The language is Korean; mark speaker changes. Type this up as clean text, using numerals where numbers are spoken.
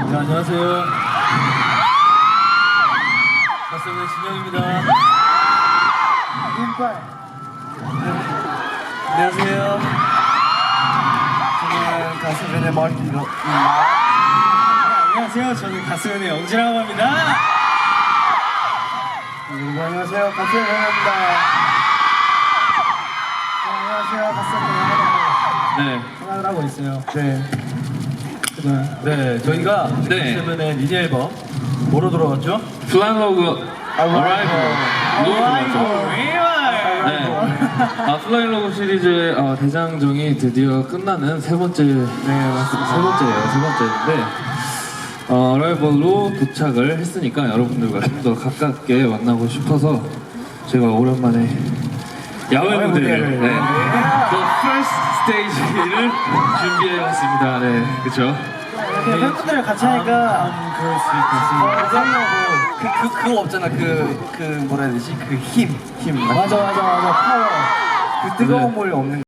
Speaker 1: 네, 안녕하세요. 가수는 진영입니다.
Speaker 2: 눈발.
Speaker 1: 안녕하세요. 저는 가수변의 마르티노. 안녕하세요. 저는 가수변의 영지라고 합니다.
Speaker 2: 여러분 안녕하세요. 가수의 영입니다. 안녕하세요. 가수의 영입니다.
Speaker 1: 네.
Speaker 2: 생각을 하고 있어요.
Speaker 1: 네. 네, 저희가
Speaker 3: 네.
Speaker 1: 가수변의 미니 앨범 뭐로 돌아왔죠?
Speaker 3: 플라잉로그 어라이벌
Speaker 1: 네.
Speaker 3: 플라잉로그 시리즈의 대장정이 드디어 끝나는 세 번째예요. 세 번째인데 어라이벌로 도착을 했으니까 여러분들과 좀 더 가깝게 만나고 싶어서 제가 오랜만에 야외 무대를 The First Stage를 준비해왔습니다. 네, 그렇죠.
Speaker 2: 이렇게 팬분들이랑 같이 하니까
Speaker 1: 그럴 수 있겠습니다. 그거 없잖아. 그 뭐라 해야 되지? 그 힘.
Speaker 2: 맞아 파워.
Speaker 1: 그 뜨거운 물 없는